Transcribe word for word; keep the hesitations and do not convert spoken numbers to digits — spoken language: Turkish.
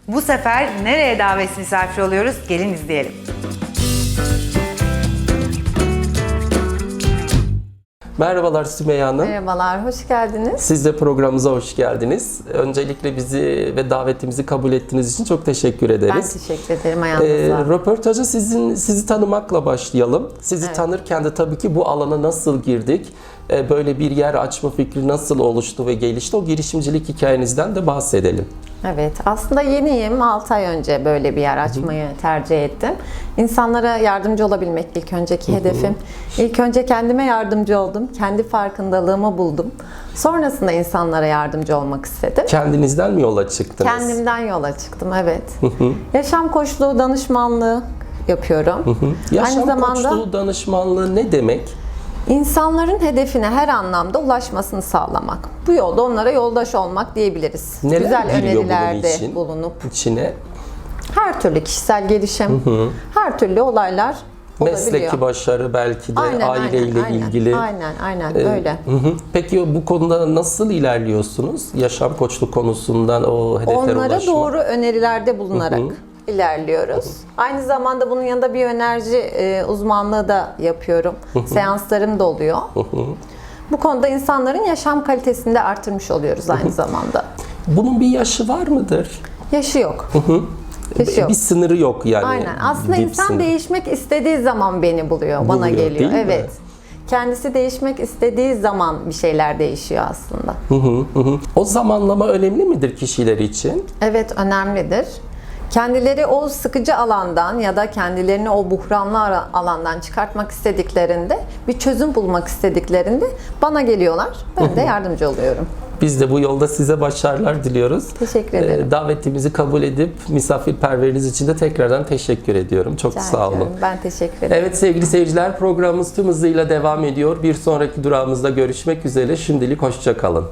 Bu sefer nereye davet misafir oluyoruz? Gelin izleyelim. Merhabalar Sümeyye Hanım. Merhabalar, hoş geldiniz. Siz de programımıza hoş geldiniz. Öncelikle bizi ve davetimizi kabul ettiğiniz için çok teşekkür ederiz. Ben teşekkür ederim ayağınıza. Ee, röportaja sizin sizi tanımakla başlayalım. Sizi Evet. tanırken de tabii ki bu alana nasıl girdik, ee, böyle bir yer açma fikri nasıl oluştu ve gelişti, o girişimcilik hikayenizden de bahsedelim. Evet, aslında yeniyim. altı ay önce böyle bir yer açmayı tercih ettim. İnsanlara yardımcı olabilmek ilk önceki hedefim. İlk önce kendime yardımcı oldum. Kendi farkındalığımı buldum. Sonrasında insanlara yardımcı olmak istedim. Kendinizden mi yola çıktınız? Kendimden yola çıktım, evet. Yaşam koçluğu, danışmanlığı yapıyorum. Yaşam Aynı zamanda koçluğu danışmanlığı ne demek? İnsanların hedefine her anlamda ulaşmasını sağlamak. Bu yolda onlara yoldaş olmak diyebiliriz. Neler Güzel giriyor bunun önerilerde için? bulunup İçine her türlü kişisel gelişim, her türlü olaylar olabiliyor. mesleki başarı, belki de Aynen, aileyle aynen, ilgili. Aynen, aynen Ee, öyle. Hı hı. Peki bu konuda nasıl ilerliyorsunuz? Yaşam koçluk konusundan o hedeflere Onlara ulaşma. doğru önerilerde bulunarak ilerliyoruz. Aynı zamanda bunun yanında biyoenerji e, uzmanlığı da yapıyorum. Seanslarım da oluyor. Bu konuda insanların yaşam kalitesini de artırmış oluyoruz aynı zamanda. Bunun bir yaşı var mıdır? Yaşı yok. Yaşı yok. Bir sınırı yok yani. Aynen. Aslında Dip insan sınır. değişmek istediği zaman beni buluyor, bana Buluyor, geliyor. değil mi? Evet. Kendisi değişmek istediği zaman bir şeyler değişiyor aslında. Hı hı, hı. O zamanlama önemli midir kişiler için? Evet, önemlidir. Kendileri o sıkıcı alandan ya da kendilerini o buhranlı ara- alandan çıkartmak istediklerinde, bir çözüm bulmak istediklerinde bana geliyorlar. Ben de yardımcı oluyorum. Biz de bu yolda size başarılar diliyoruz. Teşekkür ederim. Ee, davetimizi kabul edip misafirperverliğiniz için de tekrardan teşekkür ediyorum. Çok Rica sağ olun. ediyorum. Ben teşekkür ederim. Evet sevgili seyirciler, programımız tüm hızıyla devam ediyor. Bir sonraki durağımızda görüşmek üzere. Şimdilik hoşça kalın.